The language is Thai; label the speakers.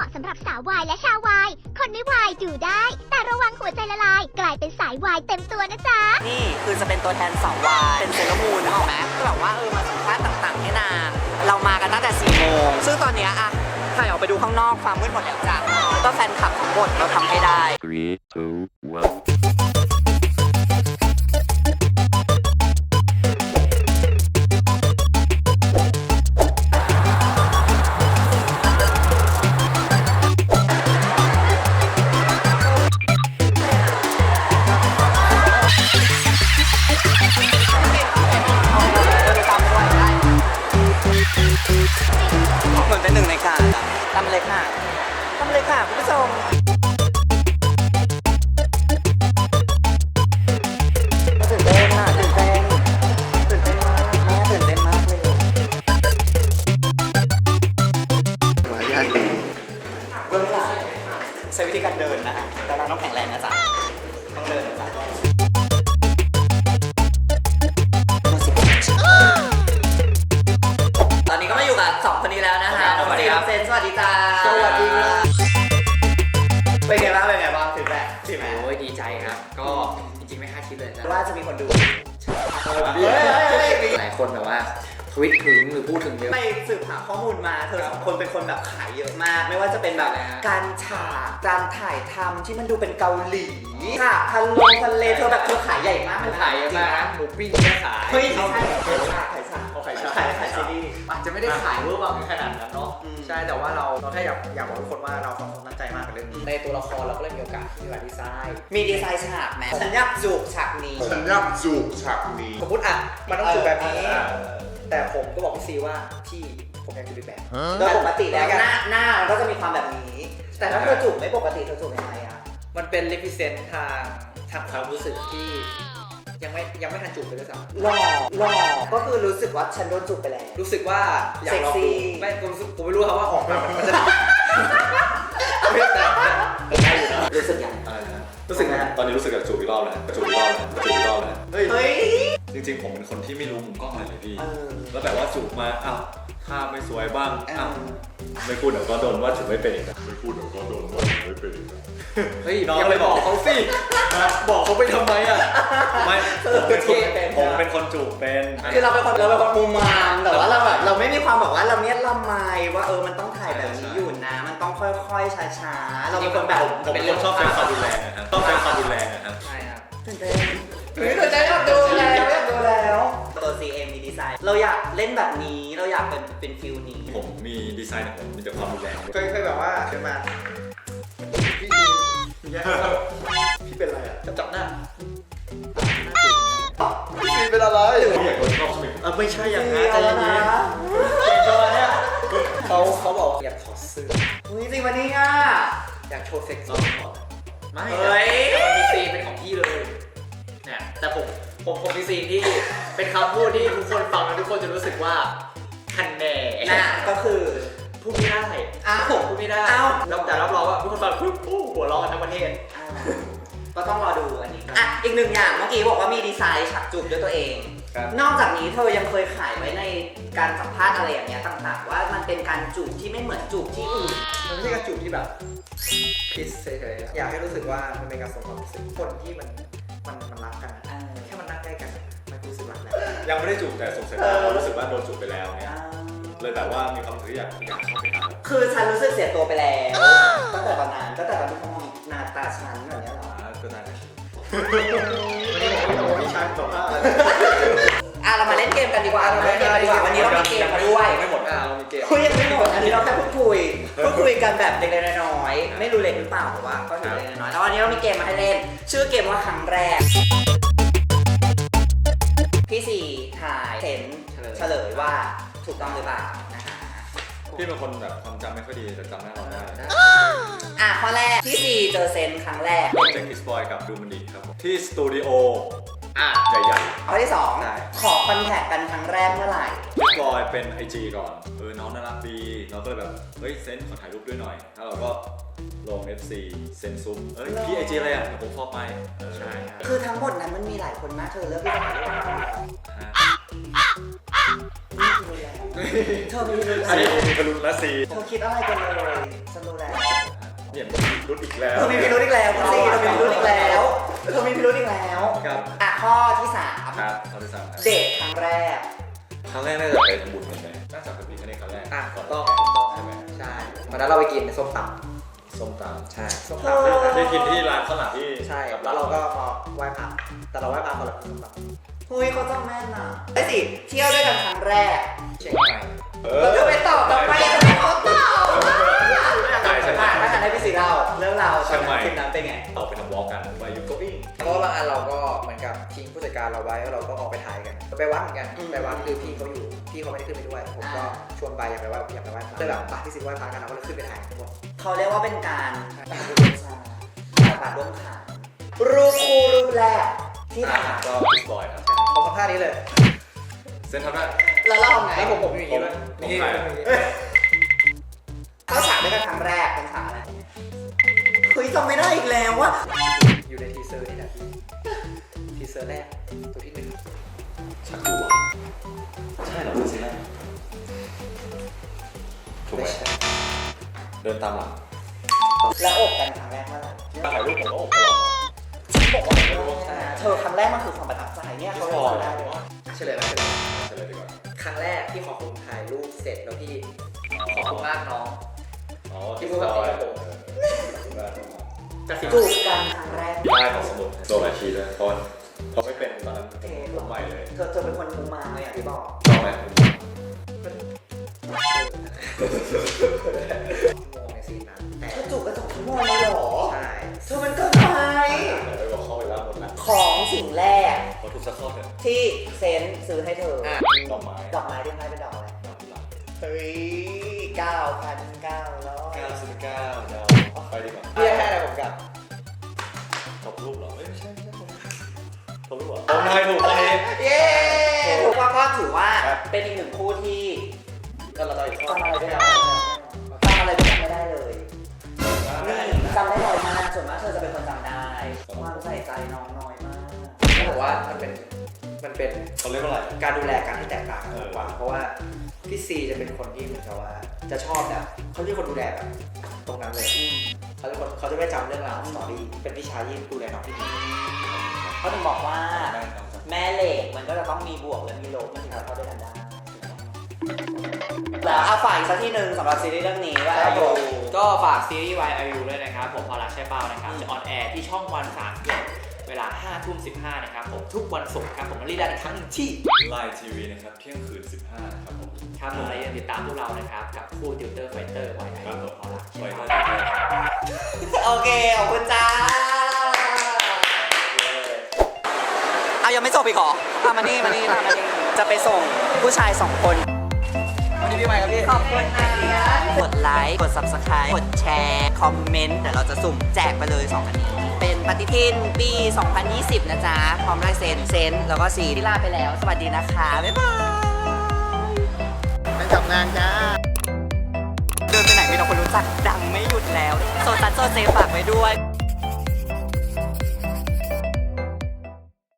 Speaker 1: มาะสำหรับสาววายและชาววายคนไม่วายดูได้ แต่ระวังหัวใจละลาย กลายเป็นสายวายเต็มตัวนะจ๊ะ
Speaker 2: นี่คือจะเป็นตัวแทนสาววายเป็นเซเลอร์มูนนึกออกไหมก็แบบว่ามาสัมภาษณ์ต่างๆให้นางเรามากันตั้งแต่4 โมงซึ่งตอนเนี้ยอะถ่ายออกไปดูข้างนอกความมืดหมดแล้วจ้ะก็แฟนคลับทั้งหมดเราทำให้ได้
Speaker 3: 3, 2, 1
Speaker 2: เหมือนเป็นหนึ่งในการทำเลยค่ะคุณผู้ชมตื่นเต้นมากเลย
Speaker 4: มารยาทดี
Speaker 2: เบื้องหลังใช้วิธีการเดินนะฮะแต่เราต้องแข็งแรงนะจ๊ะต้องเดินนะจ๊ะตอนนี้ก็มาอยู่กับ2 คนนี้แล้วนะฮะน้องซีน้องเซนสวัสดีจ้า
Speaker 4: สวัสดีครับ
Speaker 2: เป็นไงบ้างถึงแรกใช่ไหม
Speaker 5: โอ้ยดีใจครับ ก็จริงๆไม่คาดคิดเลยนะ
Speaker 2: ว่าจะมีคนดู
Speaker 5: หลายคนแบบว่าทวิตถึงหรือพูดถึงเยอะ
Speaker 2: ไปสืบหาข้อมูลมาเธอ2 คนเป็นคนแบบขายเยอะมาก ไม่ว่าจะเป็นแบบการฉากการถ่ายทำที่มันดูเป็นเกาหลีค่ะทะเลเธอแบบเธอขายใหญ่มาก
Speaker 5: มันขายเยอะมากนะหมูปิ้งก็ขาย
Speaker 2: เฮ้ยไม่ใช่ขายฉากซีรีส์
Speaker 5: อาจจะไม่ได้ขายเวอร์วังขนาดนั้นเนาะ
Speaker 4: ใช่แต่ว่าเราแค่อยากบอกทุกคนว่าเรา2 คนตั้งใจมากกับเรื่องนี้
Speaker 5: ในตัวละครเราก็เลยมีโอกาสที่จะดีไซน์
Speaker 2: มีดีไซน์ฉากไหมฉันอยากจูบฉากนี้
Speaker 6: ฉันอยากจูบฉากนี้
Speaker 4: สมมติอ่ะมันต้องจูบแบบนี้แต่ผมก็บอกพี่ซีว่าพี่ผมอยากจูบอีกแบบ
Speaker 2: โดยปกติแล้วหน้ามันก็จะมีความแบบนี้ แต่ถ้าเธอจูบไม่ปกติเธอจูบยังไงอะ
Speaker 4: มันเป็นรีพิเซนต์ทางความรู้สึกที่ยังไม่ทันจูบเลยด้วยซ้ำ
Speaker 2: หล่อก็คือรู้สึกว่าฉันโดนจูบไปแล้ว
Speaker 4: รู้สึกว่าอยากลอง
Speaker 2: เซ็กซี่
Speaker 4: ดูไม่ผมไม่รู้ครับว่าออกมามันจะแต่ได้อยู่นะ
Speaker 2: รู้สึกยังไง
Speaker 6: อะไรนะ
Speaker 4: รู้สึกนะฮะ
Speaker 6: ตอนนี้รู้สึกอยากจูบอีกรอบแล้ว
Speaker 4: เฮ้ย
Speaker 2: เฮ้ย
Speaker 6: จริงๆผมเป็นคนที่ไม่รู้มุมกล้องอะไรเลยพี่
Speaker 2: เออ
Speaker 6: แล้วแบบว่าจูบมาอ้าวท่าไม่สวยบ้างอ้าวไม่พูดเดี๋ยวก็โดนว่าจูบไม่เป็นอีกนะไม่พูดเดี๋ยวก็โดนว่าจูบไม่เป็นอีกนะ
Speaker 5: เฮ้ย
Speaker 4: น้องเลยบอกเขาสิบอกเขาไปทำไมอ่ะ
Speaker 6: ไม่ผมเป็นคนจูบเป็น
Speaker 2: คือเราเป็นคนมุมมามแต่ว่าเราแบบเราไม่มีความแบบว่าเราเนี้ยละไมว่ามันต้องถ่ายแบบนี้อยู่นะ มันต้องค่อยๆช้าๆเราเป็นคนแบบ
Speaker 6: ผมเป็นคนชอบใช้ความรุนแรงนะครับชอบใช้ความรุนแรงนะครับ
Speaker 5: ใช่ครับ
Speaker 2: ตื่นเต้นอยากดูแล้วตัว CM มีดีไซน์เราอยากเล่นแบบนี้เราอยากเป็นฟิลนี้
Speaker 6: ผมมีดีไซน์ของผมมีแต่ความรุนแรง
Speaker 4: เคยแบบว่าเชิญมาพี่เป็นอะไรอ่ะจับหน้าพี่เป็นอะไร
Speaker 6: พี่อยากโดนชอบใช่ไหม
Speaker 4: ไม่ใช่อย่างนั้นใจเย็นๆเก่งจังเนี่ยเขาบอกอยากถอดเสื้อ
Speaker 2: จริงวันนี้อ่ะ
Speaker 4: อยากโชว์เซ็กซ์ไม่
Speaker 2: เฮ้ย
Speaker 5: แต่มันมีซีนเป็นของพี่เลยเนี่ยแต่ผมมีซีนที่เป็นคำพูดที่ทุกคนฟังแล้วทุกคนจะรู้สึกว่าคันแน่
Speaker 2: นะก็คือ
Speaker 5: พูดไม่ได้
Speaker 2: อ้าว
Speaker 5: พูดไม่ได้
Speaker 2: อ้าว
Speaker 5: แต่รับรองว่าทุกคนฟังปุ๊บหัวเราะกันทั้งประเทศ
Speaker 2: ก็ต้องรอดูอันนี้อ่ะอีก1 อย่างเมื่อกี้บอกว่ามีดีไซน์ฉากจูบด้วยตัวเอง นอกจากนี้เธอยังเคยขายไว้ในการสัมภาษณ์อะไรอย่างเงี้ยต่างๆว่ามันเป็นการจูบที่ไม่เหมือนจูบที่อื่น
Speaker 4: มันไม่ใช่การจูบที่แบบพิสเฉยๆอยากให้รู้สึกว่ามันเป็นการส่งความรู้สึกคนที่มันรักกันแค่มันนั่งใกล้กันมันรู้สึกรักแล้ว
Speaker 6: ยังไม่ได้จูบแต่ส่งสายตารู้สึกว่าโดนจูบไปแล้วเนี่ยเลยแบบว่ามีความรู้สึกอยากเข้าไปหา
Speaker 2: คือฉันรู้สึกเสียตัวไปแล้วตั้งแต่ตอนนั้นตั้งแต่ตอนที่เขามองหน้าตาฉันแบบเนี้ยเหรอ
Speaker 6: ก็ได้
Speaker 4: พี่ชายบอกว่า
Speaker 2: เรามาเล่นเกมกันดีกว่าวันนี้เรามีเกมมาด้วย
Speaker 4: ไม่หมดเรามีเกม
Speaker 2: คุยยังไม่หมดอันนี้เราแค่พูดคุยกันแบบเล็กๆน้อยๆไม่รู้เล็กหรือเปล่าแต่ว่าก็ถือเล็กๆน้อยๆแล้ววันนี้เรามีเกมมาให้เล่นชื่อเกมว่าครั้งแรกพี่สี่ถ่ายเห็นเฉลยว่าถูกต้องหรือเปล่านะคะ
Speaker 6: พี่เป็นคนแบบความจำไม่ค่อยดีแต่จำหน้าเราได้
Speaker 2: ข้อแรกพี่สี่เจอเซนครั้งแรก
Speaker 6: เจคคิสบอยกับดูมันดีครับผมที่สตูดิโอ
Speaker 5: อ่ะ
Speaker 6: ใหญ่
Speaker 2: ข้อที่2ขอคอนแทคกันครั้งแรกเมื่อไหร่
Speaker 6: ๆคิสบอยเป็น IG ก่อนน้องน่ารักดีเราก็เลยแบบเฮ้ยเซนขอถ่ายรูปด้วยหน่อยแล้วเราก็ลง FC เซนซุมพี่ IG อะไรอ่ะเดี๋ยวผมฟอลไปใช่
Speaker 2: คือทั้งหมดนั้นมันมีหลายคนมากเธอเลือกที่จะถ่ายรูปกับใครเธอมีพิรุธ
Speaker 6: อันนี้มีกระลุนและซี
Speaker 2: เธอคิดอะไรกันเลยฉันรู้แล้ว
Speaker 6: เนี่ยมีรุดอีกแล้ว
Speaker 2: เธอมีพิรุธอีกแล้วคุณซีเธอมีพิรุธอีกแล้วเธอมีพิรุธอีกแล้ว
Speaker 6: ครับ
Speaker 2: อ่ะข้อที่สาม
Speaker 6: ครับข้อที่ 3ครับ
Speaker 2: เดทครั้งแรก
Speaker 6: ครั้งแรกน่าจะไปทำบุญกันไหมน่าจะเป็นปีครั้งนี้ครั้งแรก
Speaker 4: อ่ะ
Speaker 6: ก่อน
Speaker 4: ต้อง
Speaker 6: ใช่ไหม
Speaker 4: ใช่วันนั้นเราไปกินส้มต
Speaker 6: ส้มต
Speaker 4: ำใช่ส้ม
Speaker 2: เธ
Speaker 4: ตำ
Speaker 2: อ
Speaker 6: ำได้กินที่ร้านข้าวหลามที่
Speaker 4: ใช่
Speaker 6: กับ
Speaker 4: แล้วเราก็มาไหว้พระแต่เราไหว้พระคนละส้มต
Speaker 2: เฮ้ยเขาจำแม่นอ่ะไอ้สิเที่ยวด้วยกันครั้งแรก
Speaker 4: ำเชียงใหม่
Speaker 2: เราจะไปตอบทำไมจะไม่เขาตอบ
Speaker 6: ใช่ใช่ใช่
Speaker 2: ถ้าทันให้พี่สีเล่าเรื่องราวตอนนั้นคลิปนั้นเป็นไง
Speaker 6: เราไปทำวอล์กกันไปยูโกอิง
Speaker 4: เพราะว่าบางอันเราก็เหมือนกับทิ้งผู้จัดการเราไว้แล้วเราก็ออกไปถ่ายกันไปวัดเหมือนกันไปวัดคือพี่เขาอยู่พี่เขาไม่ได้ขึ้นไปด้วยผมก็ชวนไปอยากไปไหว้พระเลยแบบไปที่สิไหว้พระกันเราก็เลยขึ้นไปถ่ายทั้งหมด
Speaker 2: เขาเรียกว่าเป็นการบาดร่วมขารูปคู่รูปแรกที่ถ่าย
Speaker 6: ก็พิสบอยครับ
Speaker 4: ผมทำท่านี้เลย
Speaker 6: เซนทำได้
Speaker 2: แล้วเราไง
Speaker 4: แล้วผมอยู่อย่างนี้ด้วย
Speaker 6: ผมถ่าย
Speaker 2: เข้าฉากด้วยกันครั้งแรกเป็นฉากอะไรเฮ้ยจำไม่ได้อีกแล้วว่า
Speaker 4: อยู่ในทีเซอร์นี่นะทีเซอร์แรกตัวที่หนึ่ง
Speaker 6: ชักดูวะใช่เหรอเป็นซีแรกถูกไหมเดินตามหลัง
Speaker 2: แล้วอบกันครั้งแรกเมื่อไหร่
Speaker 6: ถ่ายรูปผมก็อบตลอด
Speaker 2: บอกว่าไม่รู้ใช่ไหมเธอครั้งแรกมันคือความประทับใจเนี่ยเขาเลยจำได้เลยว่า
Speaker 4: เฉลยแล้ว
Speaker 6: เฉลยดีกว่า
Speaker 4: ครั้งแรกที่ขอคุณถ่ายรูปเสร็จแล้วพี่ขอบคุณมากน้อง
Speaker 6: อ๋อ
Speaker 4: ที่พูดแบบนี้ครับผม
Speaker 2: จูบกันครั้งแรก
Speaker 6: ได้ของสมุดโดนหลายทีด้วยเพราะเขาไม่เป็นตอนนั้นผมใหม่เลย
Speaker 2: เธอเป็นคนมุมาเลยอย่างที่บอก
Speaker 6: ชอบไหม
Speaker 4: มองในซีนนั้นแต่
Speaker 2: เธอจูบกัน2 ชั่วโมงเลยเหรอ
Speaker 4: ใช่
Speaker 2: เธอมันเกินไป
Speaker 6: ไปบอกเข้าไปแล้วหมดแล้ว
Speaker 2: ของสิ่งแรก
Speaker 6: พอถูกสักข้อเถอะ
Speaker 2: ที่เซนซื้อให้เธอ
Speaker 4: อ่ะ
Speaker 6: ดอกไม้
Speaker 2: ดอกไม้ที่ให้เป็นดอกอะไร
Speaker 6: ดอกกุหลาบ
Speaker 2: เฮ้ย 9,900
Speaker 6: 99ดาวไปดีกว่า
Speaker 4: พี่ให้อะไรผมกับ
Speaker 6: ตบรูปเหรอไม่ใช่ตบรูปเหรอผมทายถูกเลย
Speaker 2: เย้ถูกว่าก็ถือว่า
Speaker 6: ครับ
Speaker 2: เป็นอีกหนึ่งคู่ที่
Speaker 4: ก็เราอีกข้อ
Speaker 2: ทำอะไรด้วยกันทำอะไรด้วยกันไม่ได้เลยนี่จำได้น้อยมากส่วนมากเธอจะเป็นคนจำได้ความใส่ใจน้องน้อยมาก
Speaker 4: ต้องบอกว่ามันเป็น
Speaker 6: เขาเรียกว่าอะไร
Speaker 4: การดูแลกันที่แตกต่างกัน
Speaker 6: เออ
Speaker 4: กว่าเพราะว่าพี่ซีจะเป็นคนที่เหมือนกับว่า จะชอบแบบเขาเป็นคนดูแลแบบตรงนั้นเลยเขาจะไม่จำเรื่องราวสตอรี่เป็นพี่ชายที่ดูแลน้องที่ดี
Speaker 2: เขาถึงบอกว่า แม่เหล็กมันก็จะต้องมีบวกและมีลบมันถึงจะเข้าด้วยกันได้แล้วเอาฝ่ายอีกสักที่หนึ่งสำหรับซีรีส์เรื่องนี้ว่า
Speaker 4: ครับผม
Speaker 5: ก็ฝากซีรีส์ YIU ด้วยนะครับผมพอรักใช่เป้านะครับจะออนแอร์ที่ช่องวัน31เวลา 5:15 นะครับผมทุกวันศุกร์ครับผมมารีดันอีกครั้งหนึ่งที่
Speaker 6: ไลน์ทีวีนะครับเที่ยงคืน 15นะครับผม
Speaker 5: ครับผมและอย่าลืมติดตามพวกเรานะครับกับคู่ติวเตอร์ไฟเตอร์ YIU
Speaker 6: ครับผม
Speaker 5: พอรัก
Speaker 6: ปล่
Speaker 5: ใช่
Speaker 6: อย
Speaker 5: เป้า
Speaker 6: ได้เลย
Speaker 2: โอเค ขอบคุณจ้าเอายังไม่จบอีกเหรอมานี่จะไปส่งผู้ชาย2 คน
Speaker 4: วันนี้พี่ใหม่ครับพี่
Speaker 2: ขอบคุณนะกดไลค์ กด subscribe กดแชร์ คอมเมนต์ เดี๋ยวเราจะสุ่มแจกไปเลย2 อันนี้ เป็นปฏิทินปี 2020 นะจ๊ะ พร้อมลายเซ็นแล้วก็สีที่ลาไปแล้ว สวัสดีนะคะ บ๊ายบาย
Speaker 4: ไปจับงานจ้า
Speaker 2: เดินไปไหนมีแต่คนรู้จักดังไม่หยุดแล้ว โซซัสโซเซฝากไว้ด้วย